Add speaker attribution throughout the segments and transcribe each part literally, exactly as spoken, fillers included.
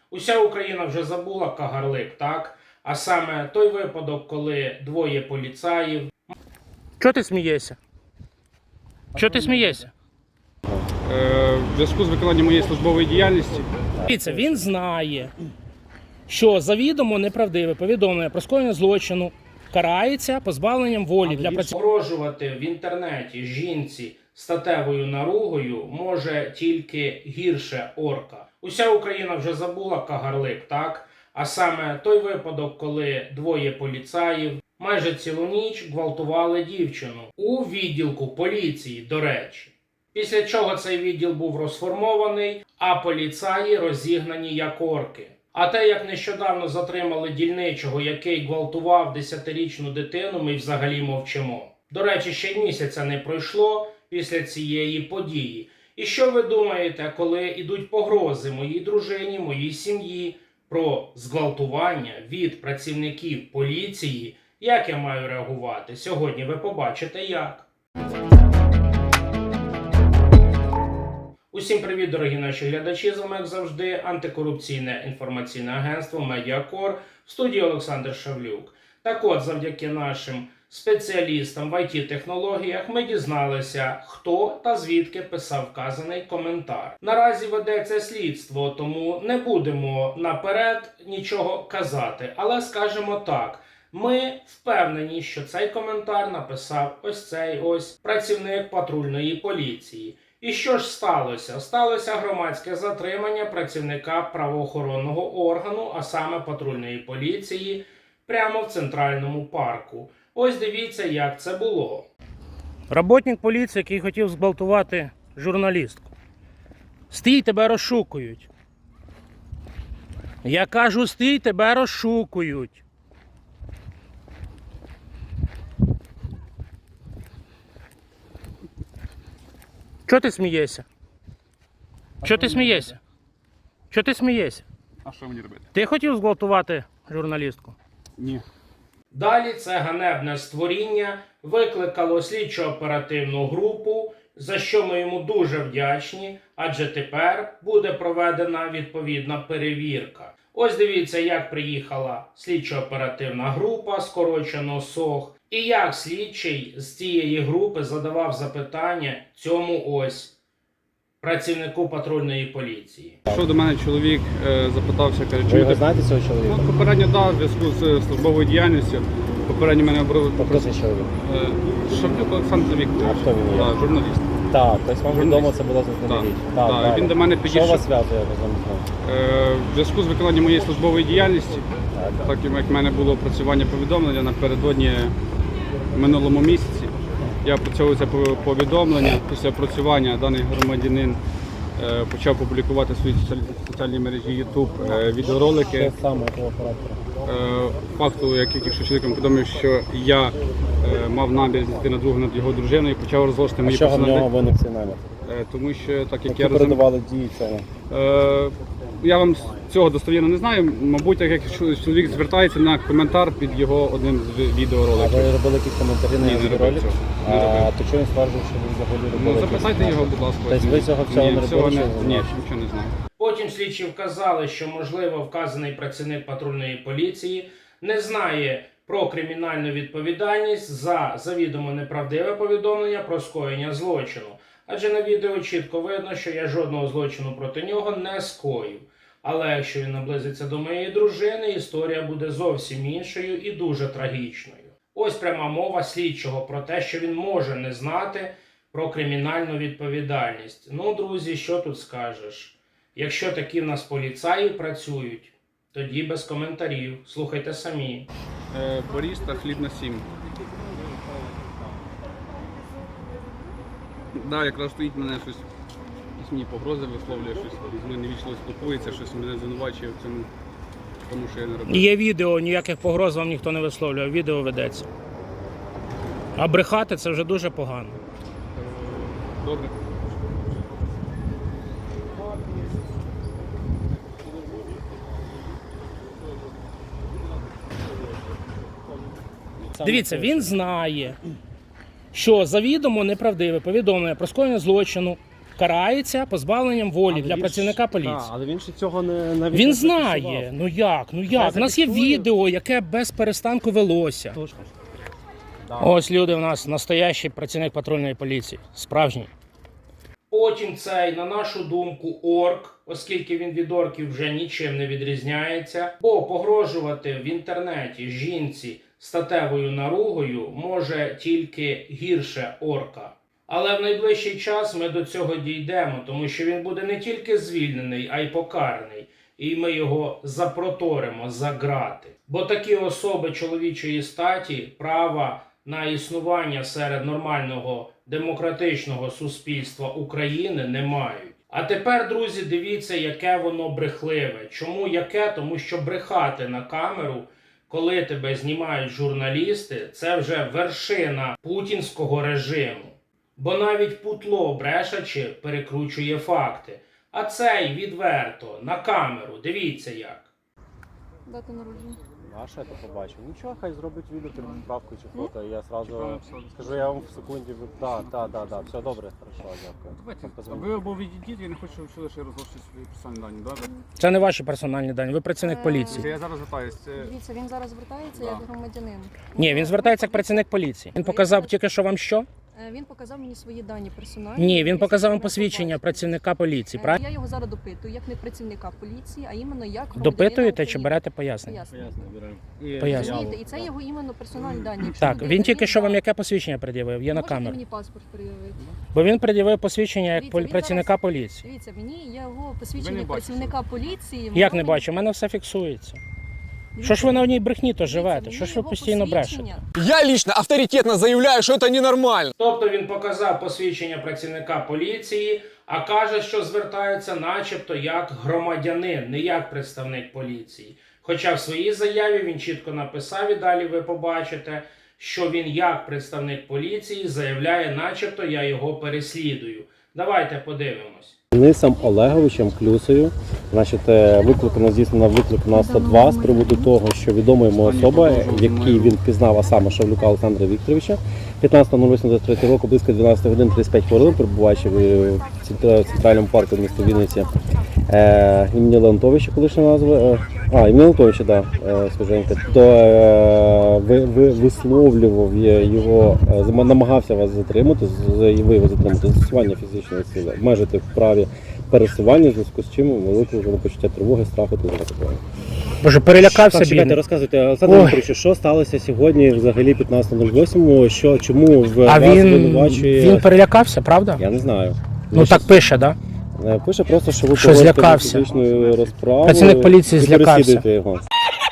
Speaker 1: Уся Україна вже забула Кагарлик, так? А саме той випадок, коли двоє поліцаїв... Чого ти смієшся? Чого ти смієшся?
Speaker 2: В зв'язку з виконанням моєї службової діяльності.
Speaker 1: Дивіться, він знає, що завідомо неправдиве повідомлення про скоєння злочину карається позбавленням волі для працівників. Погрожувати в інтернеті жінці статевою наругою може тільки гірше орка. Уся Україна вже забула Кагарлик, так? А саме той випадок, коли двоє поліцаїв майже цілу ніч гвалтували дівчину у відділку поліції, до речі. Після чого цей відділ був розформований, а поліцаї розігнані як орки. А те, як нещодавно затримали дільничого, який гвалтував десятирічну дитину, ми взагалі мовчимо. До речі, ще й місяця не пройшло після цієї події. І що ви думаєте, коли йдуть погрози моїй дружині, моїй сім'ї про зґвалтування від працівників поліції, як я маю реагувати? Сьогодні ви побачите як. Усім привіт, дорогі наші глядачі, з вами, як завжди, антикорупційне інформаційне агентство Медіакор, в студії Олександр Шавлюк. Так от, завдяки нашим спеціалістам в ай ті-технологіях ми дізналися, хто та звідки писав вказаний коментар. Наразі ведеться слідство, тому не будемо наперед нічого казати, але скажемо так. Ми впевнені, що цей коментар написав ось цей ось працівник патрульної поліції. І що ж сталося? Сталося громадське затримання працівника правоохоронного органу, а саме патрульної поліції, прямо в Центральному парку. Ось дивіться, як це було. Работник поліції, який хотів зґвалтувати журналістку. Стій, тебе розшукують. Я кажу, стій, тебе розшукують. Чого ти смієшся? Чого ти смієшся? Чого ти смієшся?
Speaker 2: А що мені робити?
Speaker 1: Ти хотів зґвалтувати журналістку?
Speaker 2: Ні.
Speaker 1: Далі це ганебне створіння викликало слідчо-оперативну групу, за що ми йому дуже вдячні, адже тепер буде проведена відповідна перевірка. Ось дивіться, як приїхала слідчо-оперативна група, скорочено СОГ, і як слідчий з цієї групи задавав запитання цьому ось працівнику патрульної поліції.
Speaker 2: Що до мене чоловік е, запитався, каже,
Speaker 3: Ви
Speaker 2: чуєте?
Speaker 3: його знаєте, цього чоловіка?
Speaker 2: Ну, попередньо, да, в зв'язку з службовою діяльністю. Попередньо мене обрали...
Speaker 3: Попросить чоловік.
Speaker 2: Е, Шавлюк Олександр Вікторович.
Speaker 3: А хто він є?
Speaker 2: Да, журналіст.
Speaker 3: Так, тобто вам
Speaker 2: Журналіст.
Speaker 3: відомо це було заздалегідь.
Speaker 2: Так,
Speaker 3: Так,
Speaker 2: так, він до мене підійшов.
Speaker 3: Що вас зв'язує разом з ним?
Speaker 2: Е, В зв'язку з виконанням моєї службової діяльності,
Speaker 3: Так.
Speaker 2: так як в мене було опрацювання повідомлення напередодні в минулому місяці, я опрацьовував це повідомлення. Після опрацювання даний громадянин е, почав публікувати в своїй соціальній мережі YouTube е, відеоролики.
Speaker 3: Що саме того характеру?
Speaker 2: Е, Факту, як якщо чоловіком повідомив, що я е, мав намір зійти на другу над його дружиною і почав розголошувати
Speaker 3: А
Speaker 2: мої
Speaker 3: чого в нього
Speaker 2: персональні...
Speaker 3: виник цей намір?
Speaker 2: Е, Тому що, так як
Speaker 3: Які
Speaker 2: я розум...
Speaker 3: передавали дії цього?
Speaker 2: Е, Я вам цього достовірно не знаю. Мабуть, так як чоловік звертається на коментар під його одним з
Speaker 3: А
Speaker 2: відеороликів.
Speaker 3: ви робили якісь коментарі на
Speaker 2: Ні,
Speaker 3: його
Speaker 2: не робив
Speaker 3: ролик?
Speaker 2: цього. Не
Speaker 3: А
Speaker 2: робив.
Speaker 3: то чого він стверджує, що ви взагалі робили?
Speaker 2: Ну,
Speaker 3: якісь
Speaker 2: запитайте
Speaker 3: наміри?
Speaker 2: його, будь ласка.
Speaker 3: Тобто ви цього всього
Speaker 2: Ні,
Speaker 3: не
Speaker 2: всього
Speaker 3: робили?
Speaker 2: не...
Speaker 3: чи ви
Speaker 2: Ні,
Speaker 3: знали?
Speaker 2: нічого не знаю.
Speaker 1: Потім слідчі вказали, що, можливо, вказаний працівник патрульної поліції не знає про кримінальну відповідальність за завідомо неправдиве повідомлення про скоєння злочину. Адже на відео чітко видно, що я жодного злочину проти нього не скоїв. Але якщо він наблизиться до моєї дружини, історія буде зовсім іншою і дуже трагічною. Ось пряма мова слідчого про те, що він може не знати про кримінальну відповідальність. Ну, друзі, що тут скажеш? Якщо такі в нас поліцаї працюють, тоді без коментарів. Слухайте самі.
Speaker 2: Е, Борис та хліб на сім. Да, якраз стоїть мене щось, якісь мені погрози висловлює, щось з мною невічливо спілкується, щось мене звинувачує в цьому, тому що я не робив.
Speaker 1: Є відео, ніяких погроз вам ніхто не висловлює, відео ведеться. А брехати це вже дуже погано.
Speaker 2: Добре.
Speaker 1: Дивіться, він знає, що завідомо неправдиве повідомлення про скоєння злочину карається позбавленням волі
Speaker 3: Але
Speaker 1: для
Speaker 3: він
Speaker 1: працівника
Speaker 3: ж-
Speaker 1: поліції.
Speaker 3: Так, але він ще цього не навіть
Speaker 1: Він
Speaker 3: не
Speaker 1: знає,
Speaker 3: зафіксував.
Speaker 1: ну як, ну як. У нас є
Speaker 3: зафіксує.
Speaker 1: відео, яке без перестанку велося.
Speaker 3: Тож, да.
Speaker 1: Ось люди у нас настоящий працівник патрульної поліції, справжній. Потім цей, на нашу думку, орк, оскільки він від орків вже нічим не відрізняється, бо погрожувати в інтернеті жінці статевою наругою може тільки гірше орка. Але в найближчий час ми до цього дійдемо, тому що він буде не тільки звільнений, а й покараний. І ми його запроторимо за грати. Бо такі особи чоловічої статі права на існування серед нормального демократичного суспільства України не мають. А тепер, друзі, дивіться, яке воно брехливе. Чому яке? Тому що брехати на камеру, коли тебе знімають журналісти, це вже вершина путінського режиму. Бо навіть путло, брешачи, перекручує факти. А цей відверто, на камеру, дивіться як.
Speaker 4: Дата народження.
Speaker 3: А що я то побачив? Нічого, хай зробить відео, правку чи фото, і я сразу скажу, я вам в секунді, так, так, так, так, все добре, хорошо, дякую.
Speaker 2: Давайте,
Speaker 3: Позвоню.
Speaker 2: ви або відійдіть, я не хочу, щоб ви лише розголошувати свої персональні дані, добре?
Speaker 1: Це не ваші персональні дані, ви працівник
Speaker 4: Е,
Speaker 1: поліції.
Speaker 2: Я зараз звертаюсь. Це...
Speaker 4: Дивіться, він зараз звертається
Speaker 2: Да.
Speaker 4: як громадянин.
Speaker 1: Ні, він звертається як працівник поліції. Він показав тільки що вам що?
Speaker 4: Е, Він показав мені свої дані персональні.
Speaker 1: Ні, він
Speaker 4: які
Speaker 1: показав вам
Speaker 4: ви
Speaker 1: посвідчення
Speaker 4: побачите.
Speaker 1: працівника поліції,
Speaker 4: Е,
Speaker 1: правильно?
Speaker 4: Я його зараз допитую, як не працівника поліції, а іменно як громадянина
Speaker 1: Допитуєте чи
Speaker 4: України.
Speaker 1: берете пояснення?
Speaker 4: Пояснення.
Speaker 1: Поясню.
Speaker 4: Розумієте, і це його іменно персональні дані. Якщо
Speaker 1: Так,
Speaker 4: людина
Speaker 1: він тільки
Speaker 4: є,
Speaker 1: що вам
Speaker 4: да.
Speaker 1: яке посвідчення пред'явив? Є на
Speaker 4: Можете
Speaker 1: камеру.
Speaker 4: мені паспорт пред'явити?
Speaker 1: Бо він пред'явив посвідчення як
Speaker 4: Дивіться,
Speaker 1: полі-
Speaker 4: він
Speaker 1: працівника
Speaker 4: зараз-
Speaker 1: поліції.
Speaker 4: Дивіться, мені його
Speaker 2: Ви
Speaker 4: посвідчення
Speaker 2: не
Speaker 4: як
Speaker 2: бачите.
Speaker 4: працівника поліції.
Speaker 1: Як
Speaker 4: воно
Speaker 1: не
Speaker 4: мені-
Speaker 1: бачу, у мене все фіксується.
Speaker 4: Дивіться,
Speaker 1: Що ж ви на одній брехні то
Speaker 4: дивіться,
Speaker 1: живете?
Speaker 4: мені
Speaker 1: Що ж ви
Speaker 4: його
Speaker 1: постійно
Speaker 4: посвідчення-
Speaker 1: брешете?
Speaker 5: Я лично авторитетно заявляю, что это ненормально.
Speaker 1: Тобто він показав посвідчення працівника поліції, а каже, що звертається начебто як громадянин, не як представник поліції. Хоча в своїй заяві він чітко написав, і далі ви побачите, що він як представник поліції заявляє, начебто я його переслідую. Давайте подивимось.
Speaker 3: Денисом Олеговичем Клюсою, значить, е, викликано, здійснено виклик на сто два з приводу того, що відома йому особа, в якій він впізнав, а саме Шавлюка Олександра Вікторовича, п'ятнадцятого восьмого двадцять третього року близько дванадцятої години тридцять п'ять хвилин, перебуваючи в центра- центральному парку міста Вінниці, е, імені Леонтовича, колишня назва, е, а, імені Леонтовича, так, да, свіженько, то е, ви, ви, висловлював є його, е, зам- намагався вас затримати, з- і ви його затримати, застосування фізичної сили, обмежити в праві пересування, в зв'язку з чим викликано почуття тривоги, страху та такого.
Speaker 1: Боже, перелякався
Speaker 3: Так, чекайте,
Speaker 1: бідний.
Speaker 3: розказуйте, Олександр
Speaker 1: Ой.
Speaker 3: Дмитрович, що сталося сьогодні взагалі п'ятнадцятого восьмого, що, чому в
Speaker 1: А
Speaker 3: вас
Speaker 1: він,
Speaker 3: звинувачує...
Speaker 1: він перелякався, правда?
Speaker 3: Я не знаю.
Speaker 1: Ну так пише, так? Да?
Speaker 3: Е, Пише просто, що ви
Speaker 1: Що
Speaker 3: погодите
Speaker 1: злякався.
Speaker 3: фізичну розправу.
Speaker 1: Працівник поліції
Speaker 3: і
Speaker 1: злякався.
Speaker 3: переслідуєте його.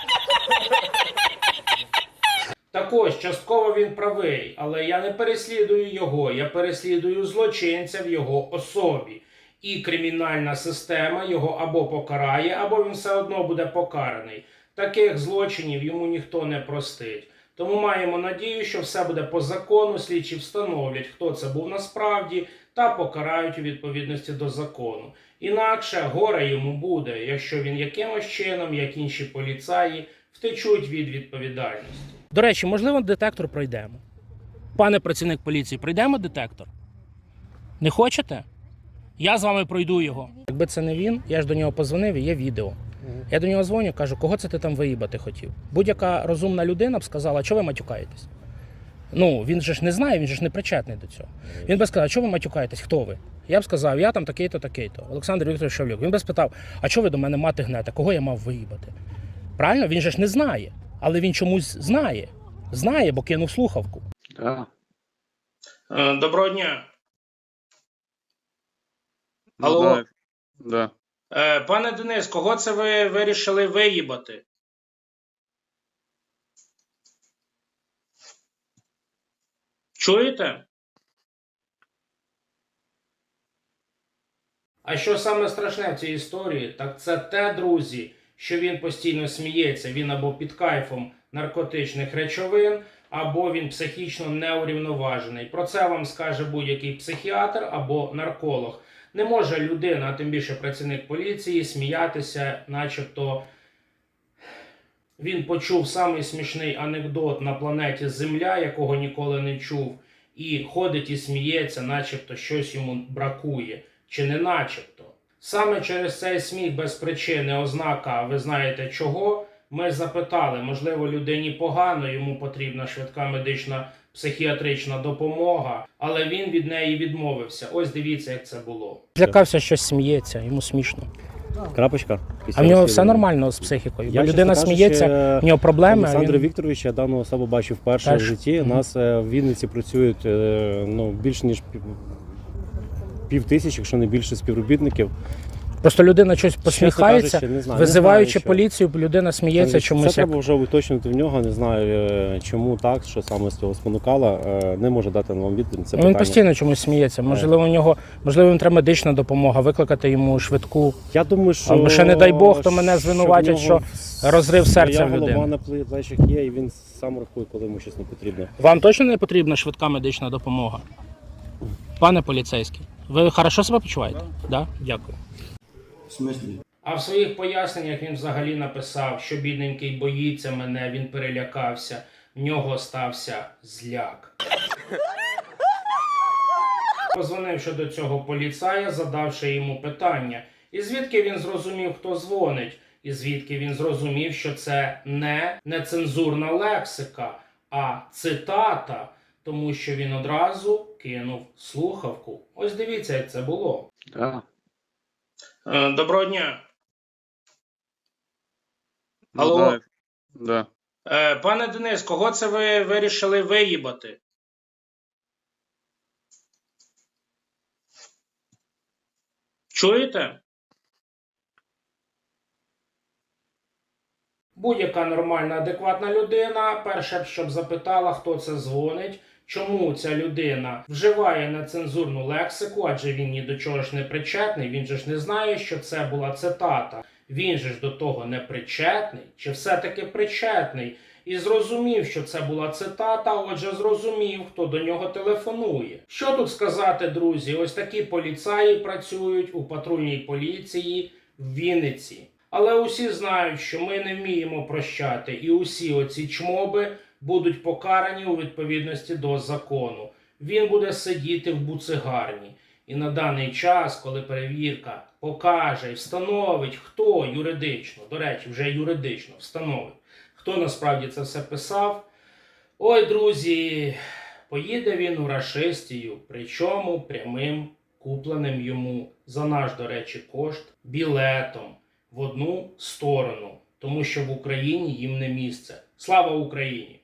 Speaker 1: Так ось, частково він правий, але я не переслідую його, я переслідую злочинця в його особі. І кримінальна система його або покарає, або він все одно буде покараний. Таких злочинів йому ніхто не простить. Тому маємо надію, що все буде по закону, слідчі встановлять, хто це був насправді, та покарають у відповідності до закону. Інакше горе йому буде, якщо він якимось чином, як інші поліцаї, втечуть від відповідальності. До речі, можливо, детектор пройдемо. Пане працівник поліції, пройдемо детектор? Не хочете? Я з вами пройду його. Якби це не він, я ж до нього позвонив і є відео. Я до нього дзвоню, кажу, кого це ти там виїбати хотів? Будь-яка розумна людина б сказала, чого ви матюкаєтесь? Ну, він же ж не знає, він же ж не причетний до цього. Він би сказав, чого ви матюкаєтесь, хто ви? Я б сказав, я там такий-то, такий-то. Олександр Вікторович Шавлюк. Він би спитав, а чого ви до мене мати гнете, кого я мав виїбати? Правильно? Він же ж не знає. Але він чомусь знає. Знає, бо кинув слухавку.
Speaker 2: Да.
Speaker 1: Доброго дня.
Speaker 2: Ну,
Speaker 1: Алло.
Speaker 2: да. Да.
Speaker 1: Е, пане Денис, кого це ви вирішили виїбати? Чуєте? А що саме страшне в цій історії, так це те, друзі, що він постійно сміється, він або під кайфом наркотичних речовин, або він психічно неурівноважений. Про це вам скаже будь-який психіатр або нарколог. Не може людина, а тим більше працівник поліції, сміятися, начебто він почув самий смішний анекдот на планеті Земля, якого ніколи не чув, і ходить і сміється, начебто щось йому бракує. чи не начебто. Саме через цей сміх без причини, ознака, ви знаєте чого, ми запитали, можливо, людині погано, йому потрібна швидка медична психіатрична допомога, але він від неї відмовився. Ось дивіться, як це було. Злякався, що сміється, йому смішно.
Speaker 3: Крапочка.
Speaker 1: А в нього все нормально з психікою, бо
Speaker 3: Я,
Speaker 1: людина
Speaker 3: чесно
Speaker 1: сміється,
Speaker 3: кажучи,
Speaker 1: в нього проблеми. а
Speaker 3: Олександра
Speaker 1: він...
Speaker 3: Вікторовича, дану особу бачив вперше
Speaker 1: Теж.
Speaker 3: в житті. У
Speaker 1: Мгм.
Speaker 3: нас е, в Вінниці працюють е, ну, більше ніж пів, пів тисячі, якщо не більше співробітників.
Speaker 1: Просто людина щось посміхається,
Speaker 3: кажучи, не знаю,
Speaker 1: визиваючи
Speaker 3: не знаю, що.
Speaker 1: поліцію, людина сміється
Speaker 3: Це
Speaker 1: чомусь. Як...
Speaker 3: треба вже уточнити в нього, не знаю е, чому так, що саме з цього спонукало. Е, Не може дати вам відповідь. Це
Speaker 1: Ну, він
Speaker 3: питання.
Speaker 1: постійно чомусь сміється. Можливо, у нього, можливо, їм треба медична допомога, викликати йому швидку.
Speaker 3: Я думаю, що...
Speaker 1: Або ще, не дай Бог, то мене
Speaker 3: що
Speaker 1: звинуватять,
Speaker 3: в нього
Speaker 1: що розрив серця
Speaker 3: своя
Speaker 1: в людини.
Speaker 3: голова на плечах є, і він сам рахує, коли йому щось не потрібно.
Speaker 1: Вам точно не потрібна швидка медична допомога? Пане поліцейський, ви хорошо себе почуваєте? Да? Дякую.
Speaker 6: В смислі?
Speaker 1: А в своїх поясненнях він взагалі написав, що бідненький боїться мене, він перелякався, в нього стався зляк. Позвонивши до цього поліцая, задавши йому питання, і звідки він зрозумів, хто дзвонить, і звідки він зрозумів, що це не нецензурна лексика, а цитата, тому що він одразу кинув слухавку. Ось дивіться, як це було.
Speaker 2: Да.
Speaker 1: Е, Доброго дня.
Speaker 2: Ну,
Speaker 1: Алло.
Speaker 2: да. Да.
Speaker 1: Е, Пане Денис, кого це ви вирішили виїбати? Чуєте? Будь-яка нормальна, адекватна людина, перше, щоб запитала, хто це дзвонить, чому ця людина вживає нецензурну лексику, адже він ні до чого ж не причетний, він же ж не знає, що це була цитата. Він же ж до того не причетний, чи все-таки причетний, і зрозумів, що це була цитата, отже зрозумів, хто до нього телефонує. Що тут сказати, друзі? Ось такі поліцаї працюють у патрульній поліції в Вінниці. Але усі знають, що ми не вміємо прощати, і усі оці чмоби будуть покарані у відповідності до закону. Він буде сидіти в буцигарні. І на даний час, коли перевірка покаже і встановить, хто юридично, до речі, вже юридично встановить, хто насправді це все писав, ой, друзі, поїде він у рашистію, причому прямим купленим йому за наш, до речі, кошт білетом в одну сторону, тому що в Україні їм не місце. Слава Україні!